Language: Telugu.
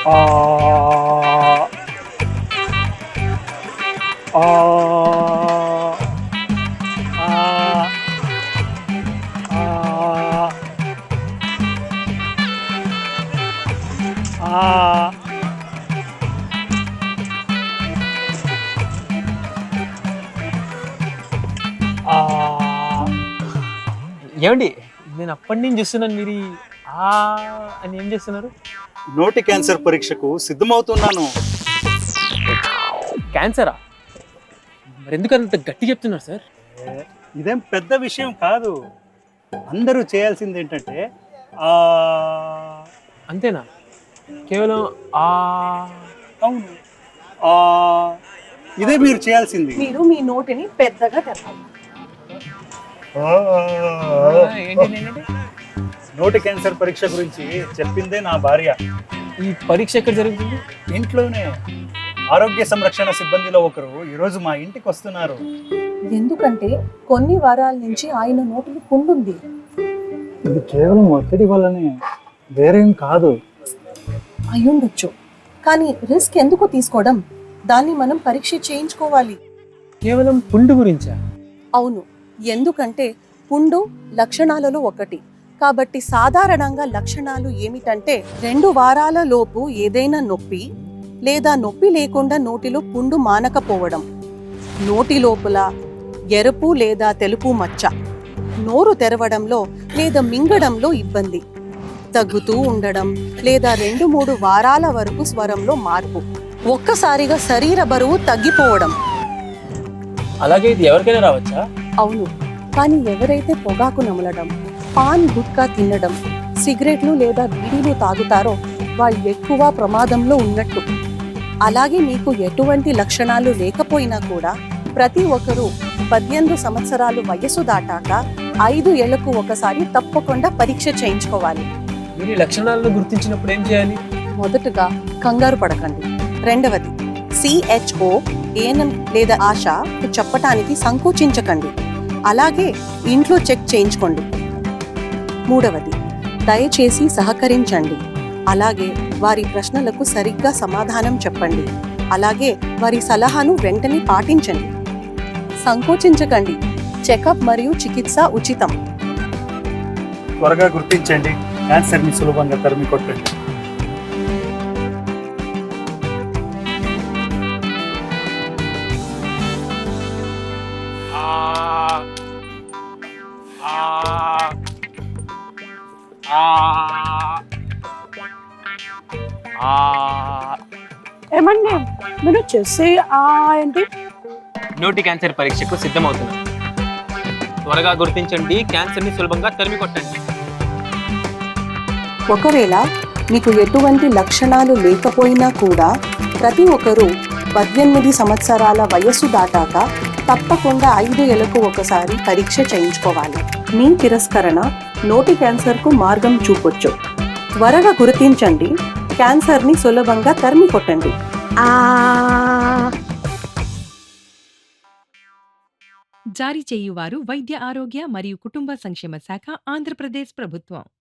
ఆ ఆ ఆ ఆ ఆ ఆ ఏమండి నేను అప్పటి నుంచి చూస్తున్నాను మీరు ఆ అని ఏం చేస్తున్నారు? నోటి క్యాన్సర్ పరీక్షకు సిద్ధమవుతున్నాను. క్యాన్సరా? మరి ఎందుకు అంత గట్టి చెప్తున్నారు సార్? ఏ, ఇదేం పెద్ద విషయం కాదు. అందరూ చేయాల్సింది ఏంటంటే ఆ అంతేనా? కేవలం ఆ అవును ఆ ఇదే మీరు చేయాల్సింది. మీరు మీ నోటిని పెద్దగా తెరవాలి. ఏంటి? నోటి క్యాన్సర్ పరీక్ష గురించి చెప్పిందే నా భార్య. ఈ పరీక్ష ఎక్కడ జరుగుతుంది? ఇంట్లోనే ఆరోగ్య సంరక్షణ సిబ్బందిలో ఒకరు ఈరోజు మా ఇంటికి వస్తున్నారు. ఎందుకంటే కొన్ని వారాల నుంచి ఆయన నోటిలో పుండుంది. ఇది కేవలం ఒత్తిడి వల్లనే, వేరేం కాదు. అయ్యుండొచ్చు, కానీ రిస్క్ ఎందుకు తీసుకోవడం? దాన్ని మనం పరీక్ష చేయించుకోవాలి. కేవలం పుండు గురించా? అవును, ఎందుకంటే పుండు లక్షణాలలో ఒకటి. కాబట్టి సాధారణంగా లక్షణాలు ఏమిటంటే 2 వారాల లోపు ఏదైనా నొప్పి లేదా నొప్పి లేకుండా నోటిలో పుండు మానకపోవడం, నోటి లోపల ఎరుపు లేదా తెలుపు మచ్చ, నోరు తెరవడంలో లేదా మింగడంలో ఇబ్బంది, తగ్గుతూ ఉండడం లేదా 2-3 వారాల వరకు స్వరంలో మార్పు, ఒక్కసారిగా శరీర బరువు తగ్గిపోవడం. అలాగే ఇది ఎవరికైనా రావచ్చా? అవును, కానీ ఎవరైతే పొగాకు నమలడం, పాన్ గుట్కా తినడం, సిగరెట్లు లేదా బీడీలు తాగుతారో వాళ్ళు ఎక్కువ ప్రమాదంలో ఉన్నట్టు. అలాగే మీకు ఎటువంటి లక్షణాలు లేకపోయినా కూడా ప్రతి ఒక్కరూ 18 సంవత్సరాలు వయసు దాటాక 5 ఏళ్లకు ఒకసారి తప్పకుండా పరీక్ష చేయించుకోవాలి. మీరు ఈ లక్షణాలను గుర్తించినప్పుడు ఏం చేయాలి? మొదటగా కంగారు పడకండి. రెండవది CHO, ANM లేదా ఆశ చెప్పటానికి సంకోచించకండి. అలాగే ఇంట్లో చెక్ చేయించుకోండి. మూడవది దయచేసి సహకరించండి. అలాగే వారి ప్రశ్నలకు సరిగ్గా సమాధానం చెప్పండి. అలాగే వారి సలహాను వెంటనే పాటించండి. సంకోచించకండి. చెకప్ మరియు చికిత్స ఉచితం. త్వరగా గుర్తించండి, క్యాన్సర్ని సులభంగా తరిమి కొట్టండి. ఏమండి మీరు చేసే ఏంటి? నోటి క్యాన్సర్ పరీక్షకు సిద్ధమవుతున్నాను. త్వరగా గుర్తించండి, క్యాన్సర్ని సులభంగా తరిమి కొట్టండి. ఒకవేళ మీకు ఎటువంటి లక్షణాలు లేకపోయినా కూడా ప్రతి ఒక్కరూ 18 సంవత్సరాల వయస్సు దాటాక తప్పకుండా 5 ఏళ్లకు ఒకసారి పరీక్ష చేయించుకోవాలి. మీ తిరస్కరణ నోటి క్యాన్సర్కు మార్గం చూపొచ్చు. త్వరగా గుర్తించండి, క్యాన్సర్ని సులభంగా తరిమి కొట్టండి. జారీ చేయువారు వైద్య ఆరోగ్య మరియు కుటుంబ సంక్షేమ శాఖ, ఆంధ్రప్రదేశ్ ప్రభుత్వం.